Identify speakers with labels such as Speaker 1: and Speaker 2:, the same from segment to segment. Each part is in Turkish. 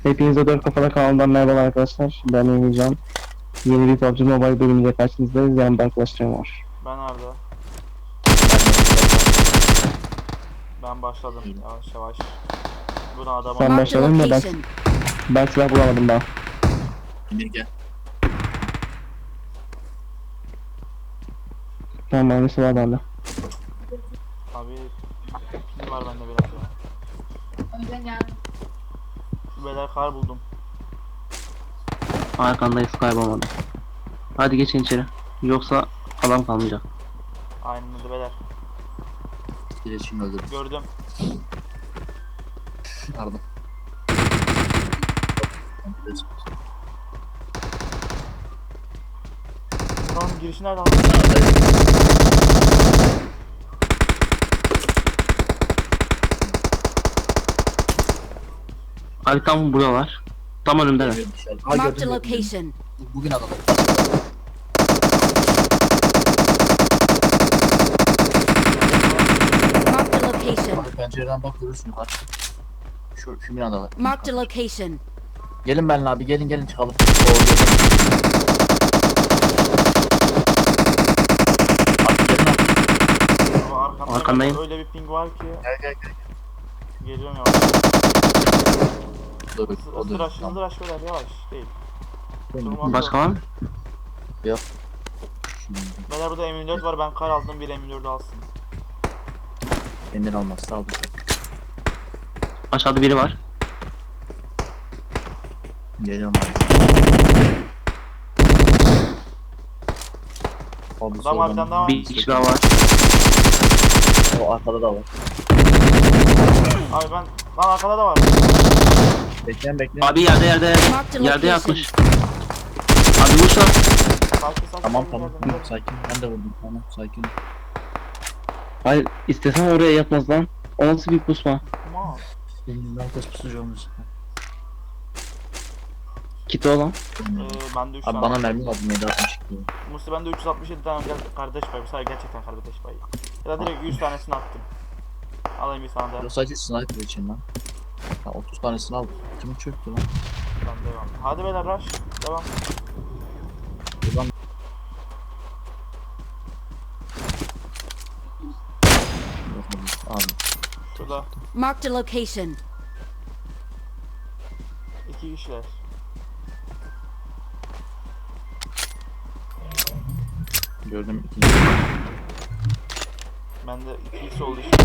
Speaker 1: Hepinize dört kafalı kanalından merhaba arkadaşlar. Ben Emircan. Yeni bir PUBG Mobile bölümüyle karşınızdayız. Yanımda arkadaşlarım var.
Speaker 2: Ben Arda. Ben başladım yavaş yavaş. Buna adamı
Speaker 1: Sen başladın mı? Ben silah bulamadım daha.
Speaker 3: Emir gel.
Speaker 1: Tamam, aynısı var bende.
Speaker 2: abi pil var bende biraz ya. Beyler kar buldum.
Speaker 1: Arkandayız, kaybolmadı. Hadi geçin içeri. Yoksa adam kalmayacak.
Speaker 2: Aynen öyle beyler.
Speaker 3: İletişim öldürdüm.
Speaker 2: Gördüm.
Speaker 3: Arda.
Speaker 2: Tamam girişi nerede?
Speaker 1: Abi tam buralar. Tam önümdeler.
Speaker 4: Marked a location.
Speaker 3: Bugün alalım.
Speaker 4: Marked a location.
Speaker 3: Abi pencereden bak görürsün yukarı. Şu binadalar.
Speaker 4: Marked a location.
Speaker 3: Gelin benimle abi gelin çıkalım.
Speaker 2: Ama arkamda
Speaker 1: Arkandayım.
Speaker 2: öyle bir ping var ki.
Speaker 3: Gel.
Speaker 2: Geliyorum yavaş.
Speaker 3: Dur o
Speaker 2: Hızlı
Speaker 3: da.
Speaker 2: rush beyler yavaş değil.
Speaker 1: Başka var mı?
Speaker 2: Beyler burada M24 var, ben kar aldım, bir M24 alsın.
Speaker 3: Kendin almaz sağ ol.
Speaker 1: Aşağıda biri var.
Speaker 3: Geliyorum abi. Abi
Speaker 2: Adam var, bir tane daha var.
Speaker 1: Bir kişi daha var.
Speaker 3: O arkada da var.
Speaker 2: Abi ben, lan arkada da var.
Speaker 3: Bekleyin.
Speaker 1: Abi yerde
Speaker 4: Marked a
Speaker 1: yerde
Speaker 4: location.
Speaker 1: yatmış. Abi vur lan.
Speaker 2: Sakin.
Speaker 3: Tamam.
Speaker 2: geldim.
Speaker 3: Sakin. Ben de vurdum. Tamam sakin.
Speaker 1: Hayır, istesen oraya yatmaz lan. O nasıl bir pusma?
Speaker 2: Tamam.
Speaker 3: Benim herkes pusucu olmuş.
Speaker 1: Kiti olan.
Speaker 2: Bende 3
Speaker 3: Abi
Speaker 2: tane.
Speaker 3: bana mermi lazım 7.60 çıktı.
Speaker 2: Musti bende 367 tane kardeş payı. Bu sefer gerçekten kardeş payı. Ya da direkt 100 tanesini attım. Alayım bir tane daha.
Speaker 3: Yok sadece sniper için lan. Ha, 30 tanesini al. Kim çöktü lan?
Speaker 2: Ben devam. Hadi beyler rush. Devam.
Speaker 3: Buradan abi.
Speaker 2: Şurada
Speaker 4: Marked a location.
Speaker 2: 2 kişiler.
Speaker 3: Gördüm ikinci.
Speaker 2: Bende 2x oldu işte.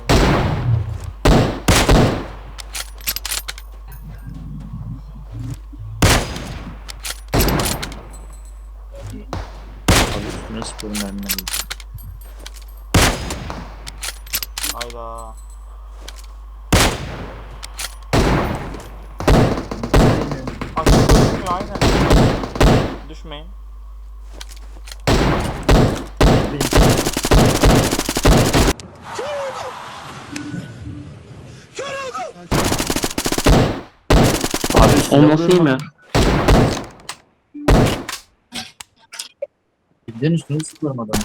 Speaker 3: Abi üstüne sporun mermine vurdu.
Speaker 2: Hayda. Aşağı düşmüyor aynen. Düşmeyin.
Speaker 3: Abi üstüne
Speaker 1: O nasıl iyi mi?
Speaker 3: Bildiğin üstüne sıkıyorum adamı.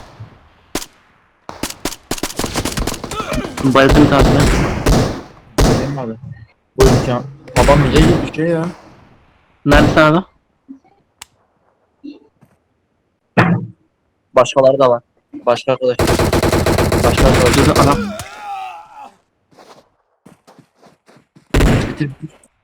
Speaker 1: Bayıldım tatlı.
Speaker 3: Benim abi. Bu imkan. Babam niye gibi bir şey ya?
Speaker 1: Neredesin adam?
Speaker 3: Başkaları da var. Başka arkadaş.
Speaker 1: Burada adam.
Speaker 3: Bitir.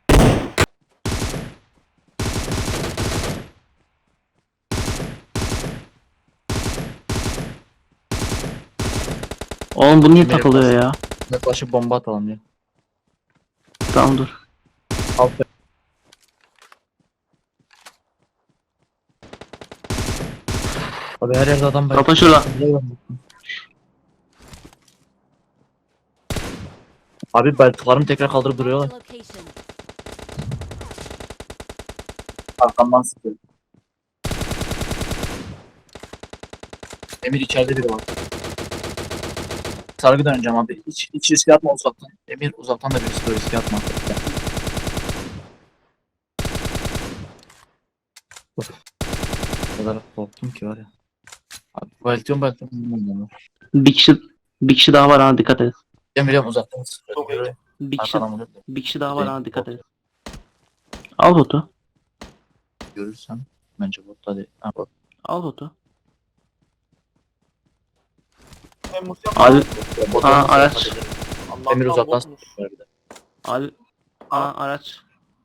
Speaker 1: Oğlum bu niye
Speaker 3: Nereye
Speaker 1: takılıyor ya?
Speaker 3: Yaklaşıp bomba atalım ya.
Speaker 1: Tamam dur.
Speaker 3: Al. Abi her yerde adam var.
Speaker 1: Kapa şurada.
Speaker 3: Abi belki tekrar kaldırıp duruyorlar.
Speaker 4: Marked a location.
Speaker 3: Arkamdan sıkıyor. Emir içeride biri var. Sargı döneceğim abi. Hiç riske atma uzaktan. Emir uzaktan da bir riske atma. O kadar korktum ki var ya. Abi belki.
Speaker 1: Bir kişi daha var, ha dikkat et.
Speaker 3: Ben biliyorum uzaktan sıkıyor.
Speaker 2: Çok iyi.
Speaker 1: Bir kişi daha var, ha dikkat et. Al botu.
Speaker 3: Görürsem bence bot hadi. Ha, bot.
Speaker 1: Al botu.
Speaker 2: Mustafa.
Speaker 1: Abi
Speaker 3: Bot
Speaker 1: Aa,
Speaker 3: olmasa
Speaker 1: araç.
Speaker 3: yapabilirim.
Speaker 2: Allah'tan
Speaker 3: Emir uzaktan
Speaker 2: botmuş.
Speaker 3: sıkıyor bir de.
Speaker 1: abi araç.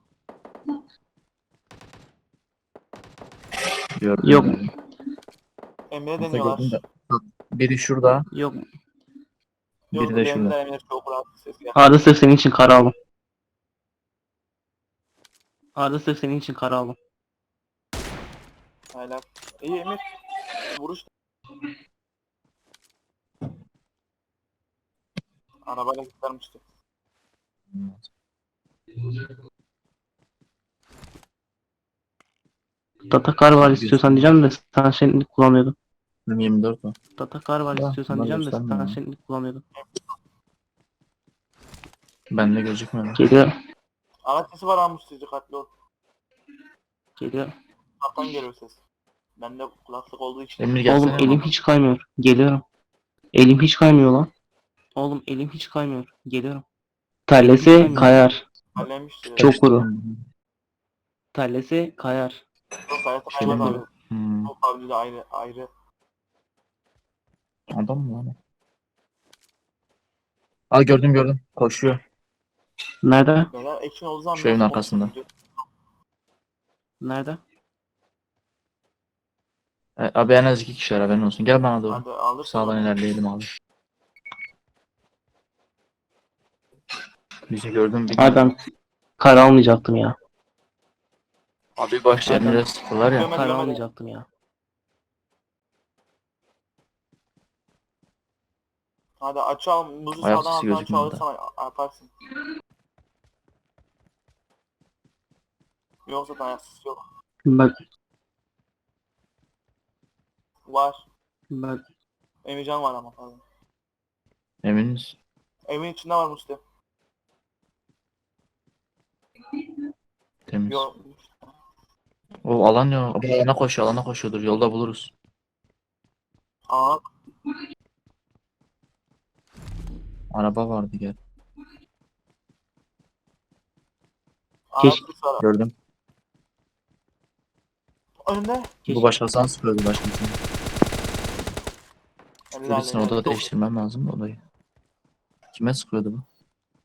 Speaker 3: Gördüm,
Speaker 1: Yok.
Speaker 3: gördüm.
Speaker 2: Emre'ye
Speaker 3: Aslında
Speaker 2: deniyorlar.
Speaker 3: gördüm de. Bak, biri şurada,
Speaker 1: Yok.
Speaker 2: Yok,
Speaker 3: biri de şurada.
Speaker 2: denediler, Emre çok rahat ses ya.
Speaker 1: Arda sırf senin için kara aldım. Arda sırf senin için kara aldım.
Speaker 2: Hala. İyi Emir. Vuruş. Arabayla kurtarmıştı.
Speaker 1: Datakar var istiyorsan diyeceğim de sen şenlik kullanıyordun.
Speaker 3: Benim 24 o.
Speaker 1: Datakar var
Speaker 3: Ya,
Speaker 1: istiyorsan
Speaker 3: bunlar
Speaker 1: diyeceğim de
Speaker 3: göstermiyor
Speaker 1: sen
Speaker 3: ya.
Speaker 1: şenlik kullanıyordun.
Speaker 3: Bende gözükmüyor.
Speaker 1: Geliyor.
Speaker 2: Araç sesi var almış dikkatli ol.
Speaker 1: Geliyor.
Speaker 2: Kaptan geliyor ses. Bende kulaklık olduğu için.
Speaker 3: Emir gelsene.
Speaker 1: Oğlum elim hiç kaymıyor. Geliyorum. Elim hiç kaymıyor lan. Oğlum elim hiç kaymıyor. Geliyorum. Tellesi kayar.
Speaker 2: Hallenmiştir.
Speaker 1: Çok kuru. Tellesi kayar.
Speaker 2: Çok hayatı
Speaker 1: Çok
Speaker 2: kaymaz
Speaker 1: kuru.
Speaker 2: abi.
Speaker 3: Hmm.
Speaker 2: Çok avcı da ayrı.
Speaker 3: Adam mı lan? Aa, gördüm. Koşuyor.
Speaker 1: Nerede?
Speaker 2: Neler ekşin olduğu zaman
Speaker 3: Şu evin
Speaker 2: nasıl
Speaker 3: arkasında.
Speaker 2: konuşuyor?
Speaker 1: Nerede?
Speaker 3: Abi en az 2 kişi haberin olsun. Gel bana doğru.
Speaker 2: Hadi alırsın.
Speaker 3: Sağdan ilerleyelim abi. Bizi gördüm bir.
Speaker 1: Abi ben kara almayacaktım ya.
Speaker 3: Abi başta
Speaker 1: Adam-
Speaker 3: Emir'e sıktılar ya.
Speaker 2: Gömedi,
Speaker 1: Kara
Speaker 2: gömedi.
Speaker 1: almayacaktım ya.
Speaker 2: Hadi aç al. Muzu
Speaker 3: Ayak
Speaker 2: sağdan
Speaker 3: sesi
Speaker 2: alttan
Speaker 3: gözükmüyor
Speaker 2: çağırırsan yaparsın. Yoksa da ayaksız yok.
Speaker 1: Bak
Speaker 2: Var.
Speaker 1: bak
Speaker 2: Emircan var ama pardon.
Speaker 3: Eminiz.
Speaker 2: Evin içinde var Mustafa.
Speaker 3: Temiz.
Speaker 2: Yok.
Speaker 3: O alan yok. Abi alana koşuyordur. Yolda buluruz.
Speaker 2: Aa.
Speaker 3: Araba vardı gel.
Speaker 1: Keşke-
Speaker 2: Araç var.
Speaker 3: Gördüm.
Speaker 2: Önünde.
Speaker 1: keşke-
Speaker 3: Bu başkasından sıkıyordu başkasından.
Speaker 2: Eller
Speaker 3: Birisini
Speaker 2: eller.
Speaker 3: odada
Speaker 2: Çok-
Speaker 3: değiştirmem lazım odayı. Kime sıkıyordu bu?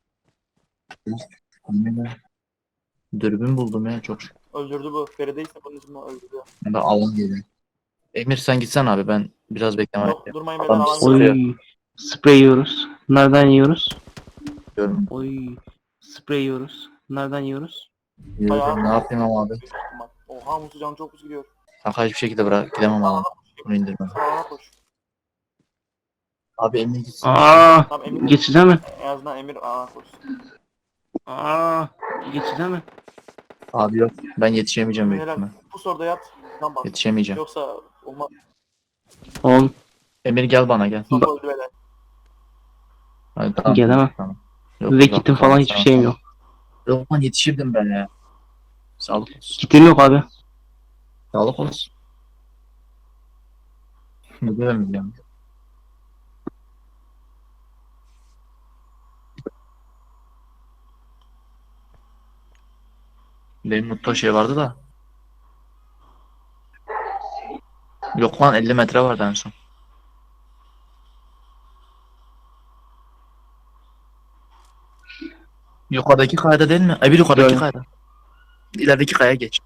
Speaker 3: Anneme. Dürbün buldum ya çok şükür.
Speaker 2: Öldürdü bu. Feride ise bunun ismini öldürdü.
Speaker 3: Ben de alan geliyor. Emir sen gitsen abi ben biraz bekleme
Speaker 2: Yok
Speaker 3: yapayım.
Speaker 2: durmayın beyler
Speaker 3: Adam
Speaker 2: alan
Speaker 3: sıkıyor.
Speaker 2: geliyor.
Speaker 1: Oy. Sprey yiyoruz. Nereden yiyoruz?
Speaker 3: Diyorum.
Speaker 1: Oy. Sprey yiyoruz. Nereden yiyoruz?
Speaker 3: Yürüyorum. Ne yapayım ama abi?
Speaker 2: Oha Musu canı çok hızlı gidiyor.
Speaker 3: Kanka hiçbir şekilde bırak gidemem ama. Bunu indirmem.
Speaker 2: Sağa koş.
Speaker 3: Abi Emir gitsin.
Speaker 1: Aa,
Speaker 2: Tamam Emir.
Speaker 1: geçide mi?
Speaker 2: En azından Emir koş.
Speaker 1: Aa, geçide mi?
Speaker 3: Abi yok. Ben yetişemeyeceğim büyük
Speaker 2: Helal.
Speaker 3: ihtimal.
Speaker 2: Bu soruda yat. Lan bak.
Speaker 3: Yetişemeyeceğim.
Speaker 2: Yoksa olmaz.
Speaker 1: Oğlum
Speaker 3: Emir gel bana gel.
Speaker 2: Mustafa öldü beyler.
Speaker 3: Hadi, tamam.
Speaker 1: gelemem.
Speaker 3: Tamam. Yok,
Speaker 1: Ve
Speaker 3: yok,
Speaker 1: kitim
Speaker 3: tamam,
Speaker 1: falan hiçbir
Speaker 3: tamam,
Speaker 1: şeyim
Speaker 3: tamam.
Speaker 1: yok.
Speaker 3: Yok lan yetişirdim ben ya. Sağlık olsun.
Speaker 1: Kitim yok abi.
Speaker 3: Sağlık olsun. Ne diyemeyeceğim. Benim mutlu şey vardı da. Yok lan 50 metre vardı en son. Yukarıdaki kayada değil mi? Bir yukarıdaki
Speaker 1: Gördüm.
Speaker 3: kayada. İlerideki kayaya geç.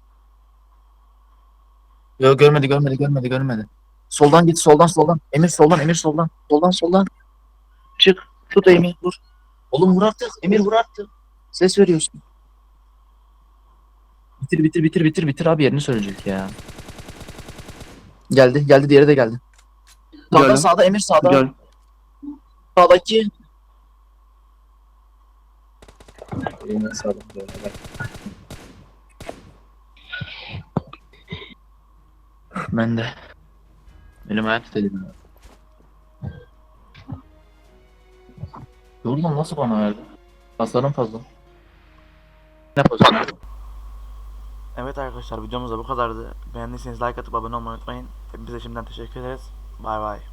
Speaker 3: Yok görmedi. Soldan git soldan. Emir soldan. Soldan. Çık. Tut Emir vur. Oğlum vur artık. Emir vur artık. Ses veriyorsun. Bitir abi yerini söyleyecek ya. Geldi diğeri de geldi.
Speaker 1: Gördüm.
Speaker 3: Sağda Emir sağda.
Speaker 1: Gör.
Speaker 3: Sağdaki. Ben de. Elim ayağım titredi. Yorulun nasıl bana verdi? Hasarım fazla. Ne pozisyon?
Speaker 2: Evet arkadaşlar videomuz da bu kadardı. Beğendiyseniz like atıp abone olmayı unutmayın. Hepinize şimdiden teşekkür ederiz. Bay bay.